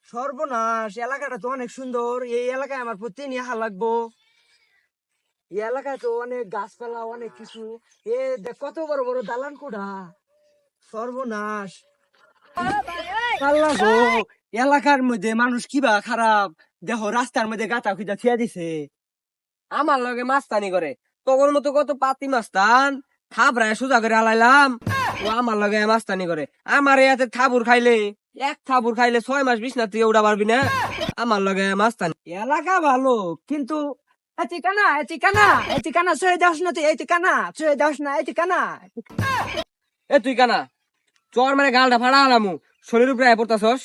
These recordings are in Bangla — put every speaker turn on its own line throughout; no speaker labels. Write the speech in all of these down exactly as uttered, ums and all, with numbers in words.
সর্বনাশ, এলাকাটা তো অনেক সুন্দর। এই এলাকায় আমার প্রতিদিন ইহা লাগবো। এই এলাকায় তো অনেক গাছপালা, অনেক কিছু। এ দেখ কত বড় বড় দালান কোঠা। সর্বনাশ, আল্লাহ গো, এলাকার মধ্যে মানুষ কিবা খারাপ। দেখো রাস্তার মধ্যে গাঁথা খুঁজা থিয়া দিছে।
আমার লগে মাস্তানি করে তখন মতো কত পাতি মাস্তান থাবরায় সোজা করে আলাইলাম। ও আমার লগে মাস্তানি করে। আমার ইয়াতে থাবুর খাইলে এক থাবুর খাইলে ছয় মাস বিছনা থেকে উঠা পারবি না। আমার লগে মাস্তানি।
এলাকা ভালো, কিন্তু এটি কানা এটি কানা এটি কানা ছয় দাস না, তুই এটি কানা ছয় দাস না, এটি কানা।
এ তুই কানা চর মানে গালটা ফাড়া আলামু শরীর উপরে আয় পড়তাছস।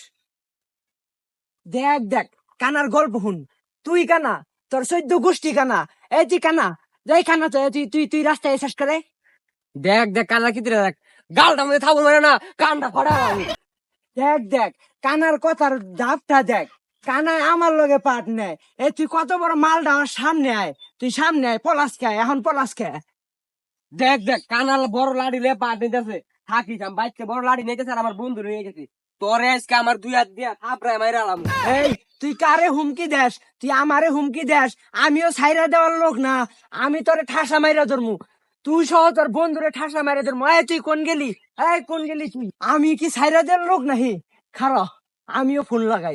দেখ দেখ, কানার গল্প শুন। তুই কানা, তোর চৈদ্দ গোষ্ঠী কানা। এটি কানা, যাই কানা তো তুই তুই তুই রাস্তায় শেষ করে।
দেখ দেখ কানা কি দেখ গালটা মধ্যে থাবুর মানে না কানটা ফাড়া আলামু।
দেখ দেখ, কানার কথার দাপটা দেখ। কানায় আমার লগে পাট নেয়। এ তুই কত বড় মালটা আমার সামনে আয়, তুই সামনে আয়। পলাশ খায় এখন, পলাশ খায়।
দেখ দেখ কানাল বড় লাড়ি লে পা নিতেছে থাকিস আমি বাইককে বড় লাড়ি নিতেছে আর আমার বন্ধু নিয়ে গেছি। তোরে আজকে আমার দুই হাত দিয়া থাপড়ায় মাইরা আলাম।
এই তুই কারে হুমকি দেস? তুই আমারে হুমকি দেস? আমিও সাইরা দেওয়ার লোক না। আমি তোরে ঠাসা মাইরা ধরমু। তুই সহ তোর বন্ধুরে ঠাসা মাইরা ধরমু। এই তুই কোন গেলি? এই কোন গেলি তুই? আমি কি সাইরা দেওয়ার লোক নাহি? খারা, আমিও ফোন লাগাই।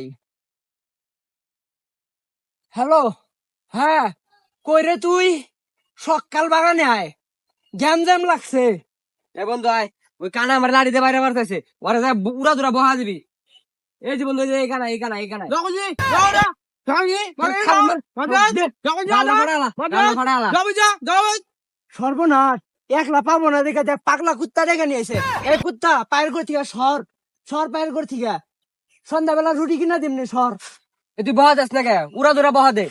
হ্যালো, হ্যাঁ, কই রে তুই? সকাল বাগানে আয়, জ্যাম জ্যাম লাগছে।
এ বন্ধু আয় ওই কানা আমার লাড়িতে বাইরে মারতেছে ওরা যা উড়া দুরা বহা দিবি। এই যে বন্ধু এই যে এই কানা এই কানা এই কানা
সর্বনাশ, একলা পাবো না দেখে দেখ, পাগলা কুত্তা দেখে নিয়েছে। এই কুত্তা পায়ের করে থেকে সর, সর পায়ের করে থেকে। সন্ধ্যাবেলা রুটি কিনা দিমনি, সর।
তুই বহা যাস না কে উড়া দুরা বহা দে।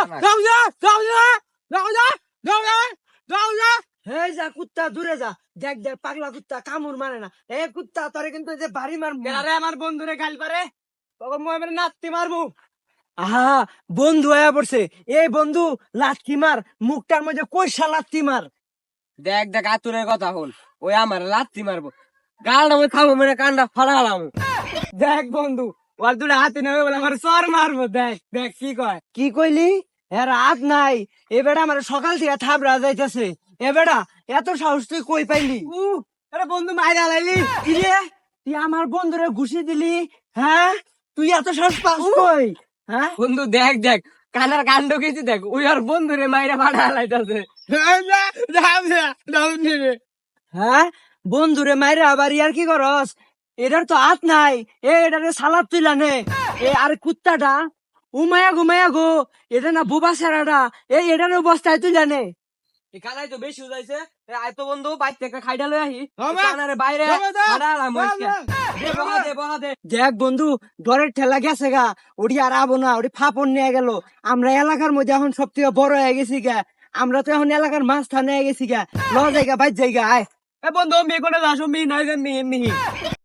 এই যা কুত্তা, দূরে যা। দেখ দেখ, পাগলা কুত্তা কামড় মানে না। এ কুত্তা তোরে কিন্তু এই যে বাড়ি মারবো।
আরে আমার বন্ধুরে গাল পারে তখন মই মানে নাতি মারবো।
আহা, বন্ধু আয়া পড়ছে। এই বন্ধু লাথি মার, মুখটার মধ্যে কইসা লাথি মার।
দেখ দেখ আতুরের কথা হল ওই আমার লাত্তি মারবো গালটা মই খাবো মানে কানটা ফাড়ালাম।
দেখ বন্ধু,
ওর দুটা হাতে নেবে বলে আমার সর মারবো। দেখ দেখ কি কয়।
কি কইলি? এর রাত নাই। এ বেটা আমার সকাল থেকে থাবড়া যাইতেছে। এ বেটা, এত সাহস তুই কই পাইলি?
উহ, আরে বন্ধু মাইরা লাইলি
কি রে, তুই আমার বন্ধুরে ঘুষি দিলি? হ্যাঁ, তুই এত সাহস পাস কই? হ্যাঁ,
বন্ধু দেখ দেখ কানার কাণ্ড কিছু দেখ ওই আর বন্ধুরে মাইরা ফাড়া লাইতাছে।
হ্যাঁ, বন্ধুরে মাইরে আবার ইয়ার কি করস? এটার তো হাত নাই। এ এটারে সালাদ তুইলা নে। এ আর কুত্তাটা উমায়া ঘুমায়া গো, এটা না বুবা সেরাটা। এই এটার অবস্থায় তুইলা নে।
এই কানাই তো বেশি উজাইছে আয় তো বন্ধু বাইক থেকে খাইডা লই আহি কানারে বাইরে ফাড়ালাম আজকে। দে বহা দে বহা দে।
দেখ বন্ধু, ডরের ঠেলা গেছে গা। ওটি আর আবো না, ওটি ফাপন নিয়ে গেল। আমরা এলাকার মধ্যে এখন সব থেকে বড় হয়ে গেছি গা। আমরা তো এখন এলাকার মাছ থানে গেছি গা। ল জায়গা বাইর জায়গা আয়।
এ বন্ধু মেয়ে কোনে যাস মি নাই যে মি মি